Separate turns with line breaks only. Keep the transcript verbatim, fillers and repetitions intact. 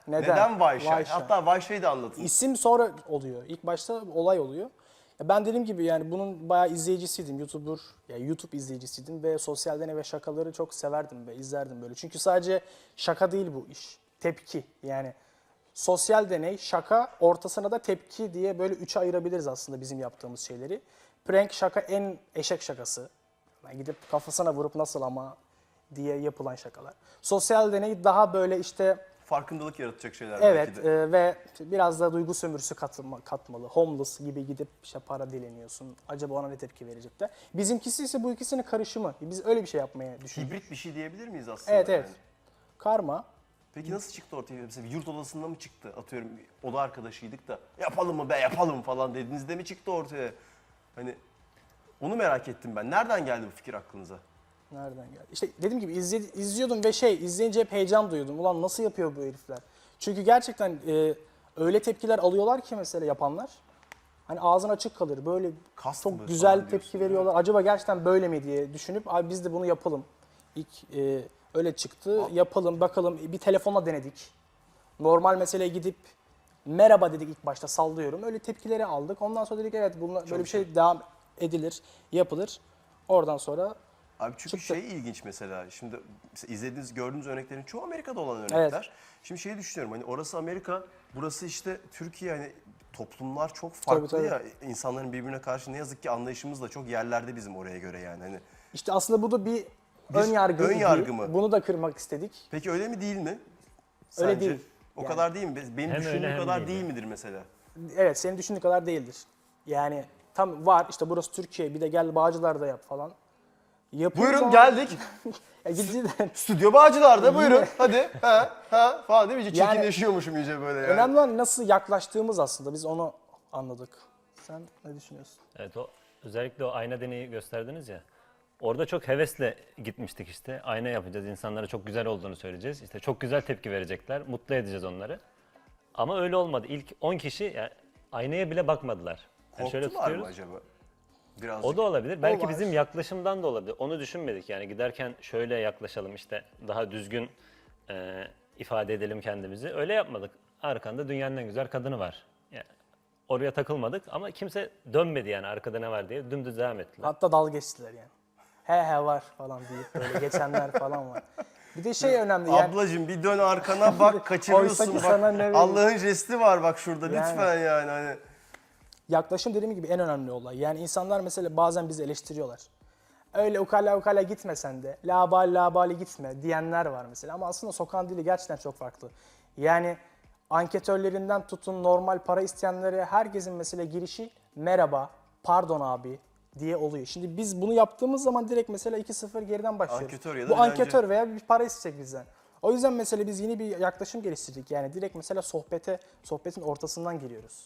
Neden?
Neden Vayşay?
Vayşay.
Hatta Vayşay'ı da anlatın.
İsim sonra oluyor. İlk başta olay oluyor. Ya ben dediğim gibi yani bunun bayağı izleyicisiydim. YouTuber, yani YouTube izleyicisiydim ve sosyal deney ve şakaları çok severdim ve izlerdim böyle. Çünkü sadece şaka değil bu iş. Tepki. Yani sosyal deney, şaka, ortasına da tepki diye böyle üçe ayırabiliriz aslında bizim yaptığımız şeyleri. Prank şaka en eşek şakası. Yani gidip kafasına vurup nasıl ama diye yapılan şakalar. Sosyal deney daha böyle işte
Farkındalık yaratacak şeyler
evet
belki de.
e, ve biraz da duygu sömürüsü katılma, katmalı. Homeless gibi gidip işte para dileniyorsun. Acaba ona ne tepki verecekler? Bizimkisi ise bu ikisinin karışımı. Biz öyle bir şey yapmaya düşündük.
Hibrit bir şey diyebilir miyiz aslında?
Evet evet.
yani?
Karma.
Peki nasıl çıktı ortaya? Mesela yurt odasında mı çıktı? Atıyorum oda arkadaşıydık da yapalım mı be yapalım falan dediğinizde mi çıktı ortaya? Hani onu merak ettim ben. Nereden geldi bu fikir aklınıza?
Nereden geldi? İşte dediğim gibi izle, izliyordum ve şey izleyince hep heyecan duyuyordum. Ulan nasıl yapıyor bu herifler? Çünkü gerçekten e, öyle tepkiler alıyorlar ki mesela yapanlar. Hani ağzın açık kalır. Böyle
Kast
çok
mı
güzel
falan
tepki
diyorsun,
veriyorlar. Acaba gerçekten böyle mi diye düşünüp abi biz de bunu yapalım. İlk e, öyle çıktı. Yapalım bakalım. Bir telefonla denedik. Normal meseleye gidip merhaba dedik ilk başta sallıyorum. Öyle tepkileri aldık. Ondan sonra dedik evet bununla, böyle bir şey devam edilir, yapılır. Oradan sonra
Abi çünkü
Çıktı.
şey ilginç mesela. Şimdi mesela izlediğiniz, gördüğünüz örneklerin çoğu Amerika'da olan örnekler.
Evet.
Şimdi şeyi düşünüyorum hani orası Amerika, burası işte Türkiye, hani toplumlar çok
Tabii,
farklı
tabii.
ya. İnsanların birbirine karşı ne yazık ki anlayışımız da çok yerlerde bizim oraya göre yani. Hani
işte aslında bu da bir, ön yargı
ön
idi.
yargı mı?
Bunu da kırmak istedik.
peki öyle mi değil mi?
Öyle
Sence?
değil.
O
Yani.
kadar değil mi? Benim
Hem
düşündüğüm
öyle hem
kadar
değil
değil
yani.
midir mesela?
Evet senin düşündüğün kadar değildir. Yani tam var işte burası Türkiye bir de gel Bağcılar'da yap falan. Yapıyoruz
Buyurun
ama-
geldik.
Ya cidden.
Stüdyo Bağcılar'da buyurun. Hadi. Ha ha falan değil mi? İyice
Yani-
çirkinleşiyormuşum iyice böyle yani.
Önemli olan nasıl yaklaştığımız aslında biz onu anladık. Sen ne düşünüyorsun?
Evet, o özellikle o ayna deneyi gösterdiniz ya. Orada çok hevesle gitmiştik işte. Ayna yapacağız, insanlara çok güzel olduğunu söyleyeceğiz. İşte çok güzel tepki verecekler, mutlu edeceğiz onları. Ama öyle olmadı. İlk on kişi yani aynaya bile bakmadılar. Yani şöyle
Korktular mı
tutuyoruz.
acaba? Birazcık.
O da olabilir. Belki
var.
bizim yaklaşımdan da olabilir. Onu düşünmedik yani giderken şöyle yaklaşalım işte daha düzgün e, ifade edelim kendimizi. Öyle yapmadık. Arkanda dünyanın en güzel kadını var. Yani oraya takılmadık ama kimse dönmedi yani arkada ne var diye. Dümdüz devam ettiler.
Hatta dalga geçtiler yani. He he var falan deyip böyle geçenler falan var. Bir de şey önemli yani.
Ablacığım bir dön arkana bak, kaçırıyorsun
Oysa ki
bak.
sana ne vereyim?
Allah'ın jesti var bak şurada
Yani.
lütfen yani hani.
Yaklaşım dediğim gibi en önemli olay. Yani insanlar mesela bazen bizi eleştiriyorlar. Öyle ukala ukala gitmesen de, labali labali gitme diyenler var mesela. Ama aslında sokağın dili gerçekten çok farklı. Yani anketörlerinden tutun normal para isteyenlere herkesin mesela girişi merhaba, pardon abi diye oluyor. Şimdi biz bunu yaptığımız zaman direkt mesela iki sıfır geriden başlıyoruz.
Anketör ya da
Bu
dilenci.
anketör veya bir para isteyecek bizden. O yüzden mesela biz yeni bir yaklaşım geliştirdik. Yani direkt mesela sohbete, sohbetin ortasından giriyoruz.